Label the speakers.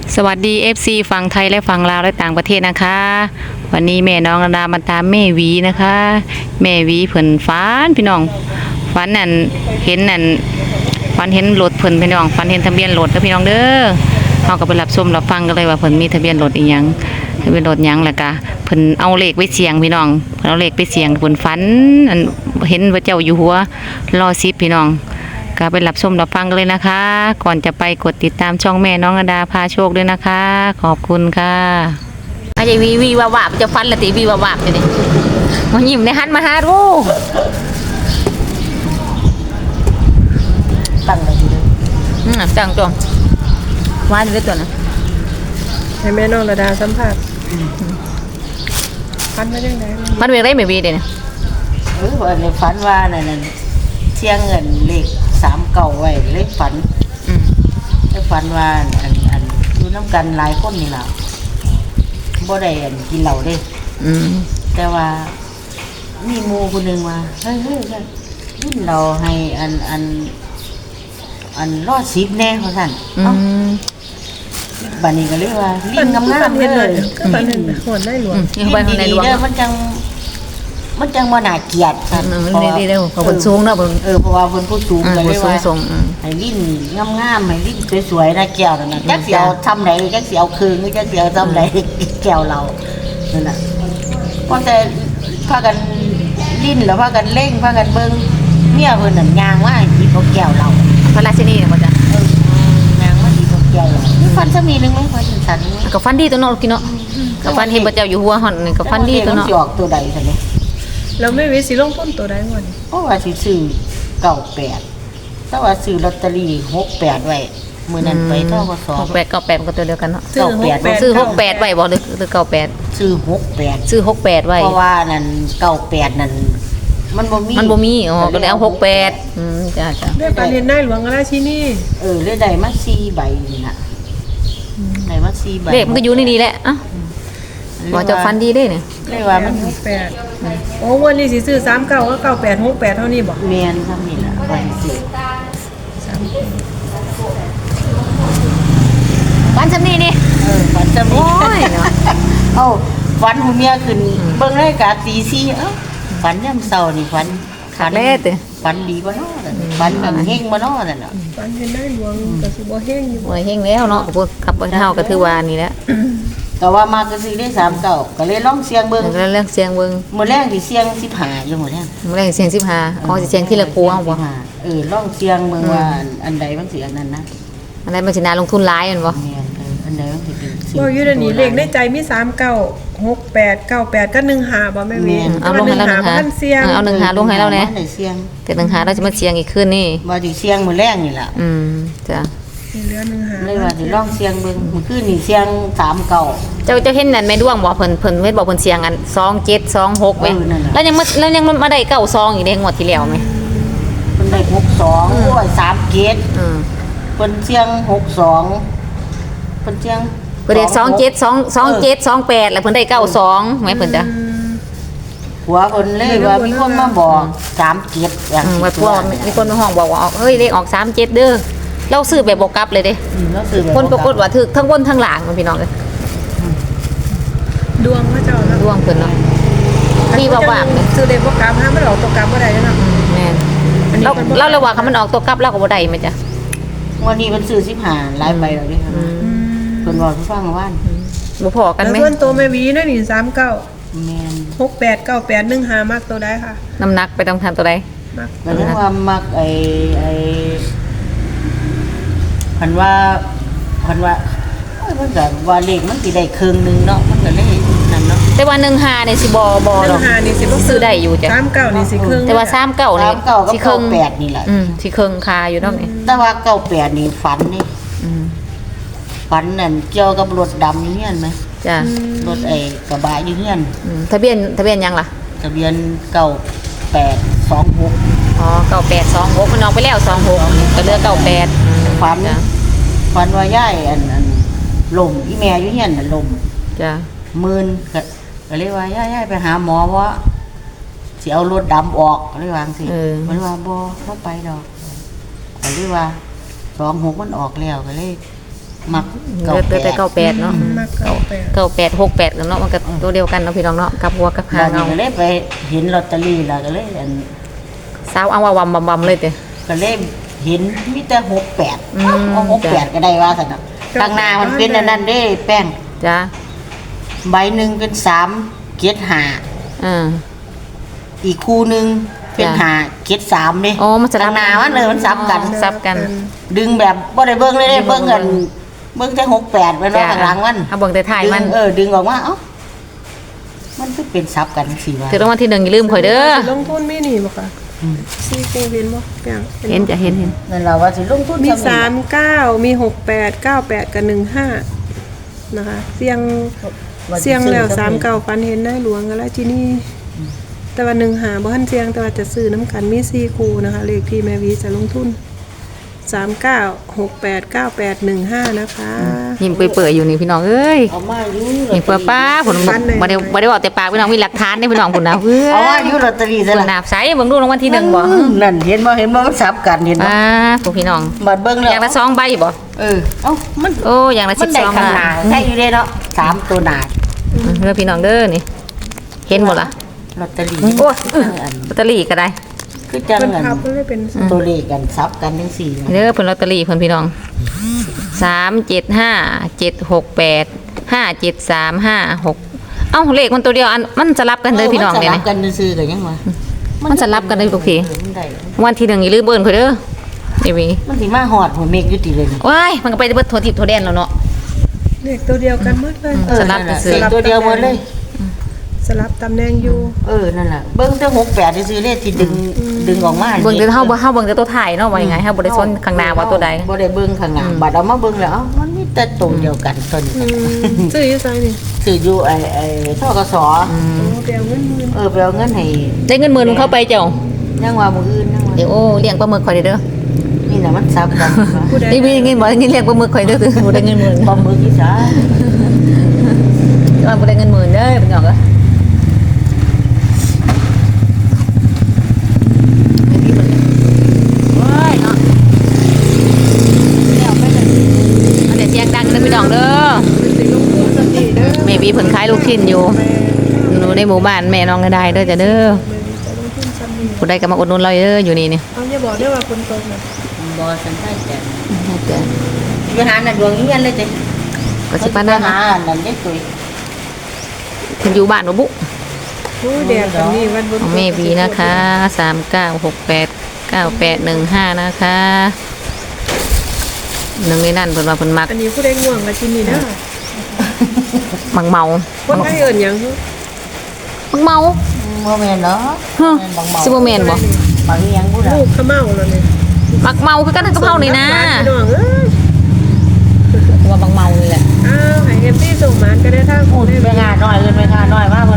Speaker 1: สวัสดี FC ฝั่งไทยและฝั่งลาวและต่างประเทศนะคะวันนี้แม่น้องระดามาตามแม่หวีนะคะแม่หวีเพิ่นฝันพี่น้องฝันนั่นเห็นนั่นฝันเห็นรถเพิ่นพี่น้องฝันเห็นทะเบียนรถเด้อพี่น้องเด้อเฮาก็ไปรับชมรับฟังกันเลยว่าเพิ่นมีทะเบียนรถอีหยังทะเบียนรถหยังแล้วก็เพิ่นเอาเลขไปเสี่ยงพี่น้องเพิ่นเอาเลขไปเสี่ยงเพิ่นฝันอันเห็นพระเจ้าอยู่หัวรอ10พี่น้องก็ไปรับชมรับฟังกันเลยนะคะ ก่อนจะไปกดติดตามช่องแม่น้องอดาพาโชคด้วยนะคะ ขอบคุณค่ะอาจจะวีวาวาบจะฟันละติวีวาวาบจะนี่มายิ้มในหันมาหาดู
Speaker 2: ตั้งเลยทีเดียว
Speaker 1: จังจงว่าอยู่ด้วยตัวนะ
Speaker 2: ให้แม่น้องระดาสัมภาษณ์ฟันมาจังได๋
Speaker 1: มันเป็นไรไม่วีเดี๋ยวนี้
Speaker 2: ว่าในฝันว่านั่นเที่ยงเงินเลข3เก่าไว้เลขฝันได้ฝันว่าอันอยู่น้ำกันหลายคนนี่ล่ะบ่ได้กินเหล้าเด้แต่ว่ามีหมู่คนนึงว่าเฮ้ยกินเหล้าให้อันรอด10แน่ว่าซั่นบัดนี้ก็เลยว่าลิ้นงามๆเลย
Speaker 3: ก็ฝันเห็นหวนได้หลวง
Speaker 1: ยังไปในหลวง
Speaker 2: มันจังบ่น่าเกลียดซั่น
Speaker 1: มันดีๆเด้อเขาเพิ่นสูงเนาะเพิ่น
Speaker 2: เพราะว่าเพิ่นผู้สูงก็เลยว่า
Speaker 1: สูง
Speaker 2: ให้ลิ้นงามๆให้ลิ้นสวยๆนะแก้วนั่นน่ะจักสิเอาทำไหนจักสิเอาคืนจักสิเอาทำไหนแก้วเรานั่นน่ะพอแต่พากันลิ้นแล้วพากันเล่งพากันเบิ่งเมียเพิ่นน่ะย่างว่าหยิบเอาแก้วเรา
Speaker 1: พระราชินีเนี่ยบ่จ้ะ
Speaker 2: ย่างว่าหยิบเอาแก้วเรามีฟันซะมีนึงมั้ยฟันฉัน
Speaker 1: ก็ฟันดีตัวเนาะกินเนาะก็ฟันเห็นพระเจ้าอยู่หัวหั่นนี่ก็ฟันดีตัวเนาะ
Speaker 2: สิออกตัวใดซั่นนี่
Speaker 3: เราไม่วิสิลงทุนตัวใดหมด
Speaker 2: เพราะว่าสิซื้อ98แต่ว่าซื้อลอตเตอรี่68ไว้มื้อนั้นไปทกส
Speaker 1: 68มันก็ตัวเดียวกันเนาะ
Speaker 3: ซื้อ
Speaker 1: ซื้อ68ไว้บ่หรือ98
Speaker 2: ซื้อ68
Speaker 1: ซื้อ68ไว้
Speaker 2: เพราะว่านั่น98นั่นมันบ่มี
Speaker 1: มันบ่มีอ๋อก็เลยเอา68จ้า
Speaker 3: ได้ฝันเห็นได้หลวงราชินี
Speaker 2: เลยได้มา4ใบนี่น่ะได้มา4ใบ
Speaker 1: เลขมันก็อยู่ในนี้แหละอ่ะว่าจะฟันดีได้เนี่ย
Speaker 2: เลยว่ามัน
Speaker 3: 68โอ้วันนี้สิซื้อ39ก็98 68เท่านี้บ่
Speaker 2: แม่นซ้ำนี่ล่ะว่าสิซื้อ
Speaker 1: ฟันซำนี้นี่
Speaker 2: ฝันจะมี
Speaker 1: โอ้ยเนาะ
Speaker 2: เอ้าฝันหูเมียขึ้นเบิ่งรายการตี4เอ้าฝันยามเช้านี่ฝัน
Speaker 1: ขาดแล้ติ
Speaker 2: ฝันดีบ่เนาะฝันแบบเฮงบ่เนาะนั่นน่ะ
Speaker 3: ฝันเห็นได้หลวงก็สิบ่แห้งอยู่
Speaker 1: โอ้ยเฮงแล้วเนาะพวกกับเฮาก็ถือว่านี่แหละ
Speaker 2: แต่ว่ามาก็ซื้อได้39ก็เลยลองเสี่ยงเบิ่ง
Speaker 1: แล้วเรื่องเสียงเบิ่ง
Speaker 2: มื้อแรกสิเสี่ยง15อยู่มื้อแรก
Speaker 1: มื้อแรกเสียง15อ๋อสิเสียงที่ละครูเอาบ่
Speaker 2: ลองเสียงเมืองว่าอันใดมันสิอันนั้นนะ
Speaker 1: อันนั้นมันสิน่าลงทุนหลายแม่นบ่
Speaker 2: แม่นอันใดมันสิเป็นสิ่ง
Speaker 3: บ่อยู่เดี๋ยวนี้เลขในใจมี39 68 98ก็15บ่แม่วี
Speaker 1: เอาลงให้แล้ว1
Speaker 3: มันเสียง
Speaker 1: เอา1 5ลงให้แล้วแหน่
Speaker 2: ได้เสียง
Speaker 1: แต่1 5เราจะมาเสียงอีกคืนนี่
Speaker 2: ว่าสิเสียงมื้อแรกนี่ล่ะ
Speaker 1: จ้ะ
Speaker 3: มีเหลือ15
Speaker 2: เลยว่าสิลองเสียงเบิ่งมื้อคืนนี่เสียง39
Speaker 1: เจ้าเห็นนั่นแม่ดวงบ่เพิ่นเฮ็ดบ่เพิ่นเสียงอัน2726เว้ยแล้วยังมาได้92อีกเด้งวดที่แล้วแม่
Speaker 2: เพิ่นได้62โอ้ย3เกต เพิ่นเสียง62เพิ่นเสียง
Speaker 1: เพิ่นได้2728แล้วเพิ่นได้92แม่เพิ่นจ้ะ
Speaker 2: หัวเพิ่นเลยว่ามีคนมาบอก3เกตอย่าง
Speaker 1: ว่าพวกมีคนมาห้องบอกว่าเฮ้ยเลขออก37เด้อเราซื้อแบบบ่กลับเลยเด้
Speaker 2: แล้วซื้อแบบ
Speaker 1: คนปรากฏว่าถูกทั้งบนทั้งหลังพี่น้องเอ้ย
Speaker 3: ดวงพระเจ้าแล้ว
Speaker 1: ดวงเพิ่นเนาะมีบ่ว่าเลย
Speaker 3: ซื้อเลขบ่กลับห้ามมันออกตัวกลับบ่ได้เนาะ
Speaker 1: แม่นเราระว่าคันมันออกตัวกลับเราก็บ่ได้แม่จ้ะ
Speaker 2: วันนี้เพิ่นซื้อ15หลายใบแล้วเด้เพิ่นบอกให้ฟังว่า
Speaker 1: บ่พอกัน
Speaker 3: แล้ว
Speaker 1: ไหม
Speaker 3: ส่วนตัวแม่วีนั่นนี่39
Speaker 2: แม่น
Speaker 3: 68 98 15มักตัวใดค่ะ
Speaker 1: น้ำหนักไปต้องทานตัวใด
Speaker 3: มัก
Speaker 2: ก็เลยว่ามักไอ้พันว่าเอ้ยมันก็ว่าเลขมันสิได้ครึ่งหนึงเนาะมันก็เลยนั่นเนาะ
Speaker 1: แต่ว่า15นี่สิบ่ดอก
Speaker 3: 15นี่สิบ่
Speaker 1: ซื้อได้อยู่จ้ะ
Speaker 3: 39นี่สิครึ่ง
Speaker 1: แต่ว่า39นี่
Speaker 2: 39กับ
Speaker 1: สิครึ่ง
Speaker 2: 98นี่แหละ
Speaker 1: สิครึ่งคาอยู่เนาะนี่
Speaker 2: แต่ว่า98นี่ฝันนี่ฝันนั่นเกี่ยวกับรถดำอยู่เฮียนไหม
Speaker 1: จ้ะ
Speaker 2: รถไอ้กระบะอยู่เฮียน
Speaker 1: ทะเบียนยังล่ะ
Speaker 2: ทะเบียน9826
Speaker 1: อ๋อ9826มันออกไปแล้ว26ก็เหลือ98
Speaker 2: ฝัน
Speaker 1: จ้ะ
Speaker 2: ฝันว่ายายอันลมอีแม่อยู่เฮียนน่ะลม
Speaker 1: จ้ะ
Speaker 2: มื่นก็เลยว่าย่ายไปหาหมอว่าสิเอารถดำออกเลยวาจั่งสิมันว่าบ่ไปดอกก็เลยว่า26มันออกแล้วก็เลยมัก
Speaker 1: เหลือแต่98เนาะ
Speaker 3: มัก98
Speaker 1: 9868กันเนาะมันก็ตัวเดียวกันเนาะพี่น้องเนาะกับหัวกับหาง
Speaker 2: เรา
Speaker 1: เอา
Speaker 2: ก็เลยไปเห็นลอตเตอรี่แล้วก็เลยอัน
Speaker 1: สาวเอาว่าวำบำเลยติ
Speaker 2: ก็เลยเห็นมีแต่68
Speaker 1: อืม
Speaker 2: เอา68ก็ได้ว่าซั่นน่ะข้างหน้ามันเป็นอันนั้นเด้แป้ง
Speaker 1: จ้า
Speaker 2: ใบหนึงเป็น3เกต5 อีกคู่หนึงเป็น
Speaker 1: จ้ะ
Speaker 2: 5เกต3เด้
Speaker 1: อ๋อมันสลับ
Speaker 2: ข้างหน้ามันเลยมันซับกัน
Speaker 1: ซับกัน
Speaker 2: ดึงแบบบ่ได้เบิ่งเลยเด้เบิ่งกันเบิ่งแต่68มันว่าข้างหลังมัน
Speaker 1: เอาเบิ่งแต่ถ่ายมัน
Speaker 2: ดึงออกมาเอ้ามันคือเป็นซับกันสิว่า
Speaker 1: ถือรางวัลที่1อย่าลืมข่อยเด้อ
Speaker 3: ลงทุนมีนี่บ่ค่ะซีกูเห็นบ่แปลง
Speaker 1: เห็นจะเห็น
Speaker 2: นั่นล่ะว่าสิลงทุน
Speaker 3: มี
Speaker 2: ซ้ำนี่ล่ะ
Speaker 3: 39มี68 98กับ15นะคะเสียงแล้ว39ฟันเห็นได้หลวงกันแล้วที่นี่แต่ว่า1หาบ่ทันเสียงแต่ว่าจะซื้อน้ำกันมี4คู่นะคะเลขที่แม่วีจะลงทุน39 68 98 15นะคะ
Speaker 1: ยิ้มเปื่อยๆอยู่นี่พี่น้องเอ้ย
Speaker 2: เอามาอยู่
Speaker 1: ยิ้มเปื่อยป้าผลบ่ได้บอกแต่ปากพี่น้องมีหลักฐานเด้พี่น้องพุ่นนะเพื่อ
Speaker 2: เอามาอยู่ลอตเตอรี่ซะ
Speaker 1: พุ่น
Speaker 2: ล่ะ
Speaker 1: น่ะใส่เบิ่งดูรางวัลที่1บ่
Speaker 2: นั่นเห็นบ่มันซับกันเห็นบ่
Speaker 1: ป้าพวกพี่น้อง
Speaker 2: บัดเบิ่ง
Speaker 1: อ
Speaker 2: แล้ว
Speaker 1: ย่างละ2ใบบ่
Speaker 2: เออเอ้ามัน
Speaker 1: โอ้อย่างละ
Speaker 2: มันได้
Speaker 1: 12
Speaker 2: ข้างหน้าใช่อยู่เด้เนาะ3ตัวหน้า
Speaker 1: เด้อพี่น้องเด้อนี่เห็นบ่ล่ะ
Speaker 2: ลอตเตอรี่
Speaker 1: โอ้ยลอตเตอรี่ก็ได้
Speaker 2: คือจัง
Speaker 3: มัน
Speaker 2: อัน
Speaker 3: พับมันเลยเป็น
Speaker 2: ตัวเลขกันซับกันจังซี่นะ
Speaker 1: เด้อเพิ่นลอตเตอรี่เพิ่นพี่น้อง375 768 57356เอ้าเลขมันตัวเดียวอันมันจะรับกันเด้อพี่น้องเด้
Speaker 2: มั
Speaker 1: นี่
Speaker 2: สลับกันซื่อๆก็ยังว่า
Speaker 1: มันจะรับกันได้ทุกที
Speaker 2: มันได้
Speaker 1: วันที่1อย่าลืมเบิ่นข่อยเด้อนี่วี
Speaker 2: มันสิมาฮอดหัวเมฆอยู่ติเลยนี่
Speaker 1: ว้ายมันก็ไปเบิดโทรทิพย์โทรแดนแล้วเนาะ
Speaker 3: เลขตัวเดียวกันหมดเลย
Speaker 1: สลับกันซื้อ
Speaker 2: เลขตัวเดียวหมดเลย
Speaker 3: สลับตำแหน่งอยู่
Speaker 2: นั่นล่ะเบิ่งแต่68ซื่อๆเลขที่ดึงออกมา
Speaker 1: เบิ่งแต่เฮาเบิ่งแต่ตัวถ่ายเนาะว่ายังไงเฮาบ่ได้สนข้างหน้าว่าตัวใด
Speaker 2: บ่ได้เบิ่งข้างหน้าบัดเอามาเบิ่งแล้วเอ้ามันมีแต่ตัวเดียวกันตัวนี้
Speaker 3: ซื้ออยู่ไสนี่
Speaker 2: ซื้ออยู่ไอ้ธกส
Speaker 3: โอ้ไปเอาเงินหมื่น
Speaker 2: ไปเอาเงินให้
Speaker 1: ได้เงินหมื่นเข้าไปเจ้า
Speaker 2: ยังว่ามื้ออื่นยังว่า
Speaker 1: เดี๋ยวโอ้เลี้ยงปลาหมึกข่อยเด้อ
Speaker 2: นี่น่ะมันซับกัน
Speaker 3: ผู้ใด
Speaker 1: นี่มีเงินบ่ได้เงินเลี้ยงปลาหมึกข่อยเด้อบ่ได้เงินหมื่น
Speaker 2: บ่มือที่ซะ
Speaker 1: ว่าบ่ได้เงินหมื่นเด้อเป็นหยังก็ว้ายเนาะแล้วไปเลยอันเดี๋ยวเสียงดังเด้อพี่น้องเด้อ
Speaker 3: สิลงทุนสติเด้อ
Speaker 1: แม่วีเพิ่นขายลูกชิ้นอยู่หนูในหมู่บ้านแม่น้องก็ได้เด้อจ้ะเด้อ
Speaker 3: จะลงทุนซ้ำนี่
Speaker 1: ผู้ใดก็มาอุดหนุนเราเด้ออยู่นี่นี่
Speaker 3: เอาอย่าบอกได้ว่าคนตกน่ะ
Speaker 2: บ่สันได้แต่
Speaker 1: จ้ะ
Speaker 2: อยู่หานั่นดวงเงี้ยนเลยจ้ะ
Speaker 1: ก็สิปานนั้น
Speaker 2: หา
Speaker 1: นะ
Speaker 2: นั่นเด็กตุ้ย
Speaker 1: เพิ่นอยู่บ้านบ่บุ
Speaker 3: ผู้แดดแบบนี้วันบน
Speaker 1: ของแม่วีนะคะ39689815นะคะหนึ่งในนั้นเพิ่นว่าเพิ่นมัก
Speaker 3: อันนี้ผู้ใดง่วงก็ที่นี่เด้อ
Speaker 1: มักเมา
Speaker 3: คนไทยเอิ้นหยัง
Speaker 1: มักเมา
Speaker 2: บ่แม่นเนาะ
Speaker 1: ฮะ
Speaker 2: บางเมา
Speaker 1: สิบ่แม่นบ่
Speaker 2: บางอีหยังบ่ล่ะ
Speaker 3: ลูกขะเมาแล้วนี่
Speaker 1: มักเมาคือกันกับเฮานี่นะ
Speaker 3: พี่น้องเอ้ย
Speaker 1: ว่ามักเมานี่แหละ
Speaker 3: อ้าวให้ FC ส่งหมานก็ได้ทาง
Speaker 2: พู
Speaker 3: ผู้
Speaker 2: ด
Speaker 3: ได้
Speaker 2: ไปงานน้อยเอิ้นไปงานน้อยมาเพิ่น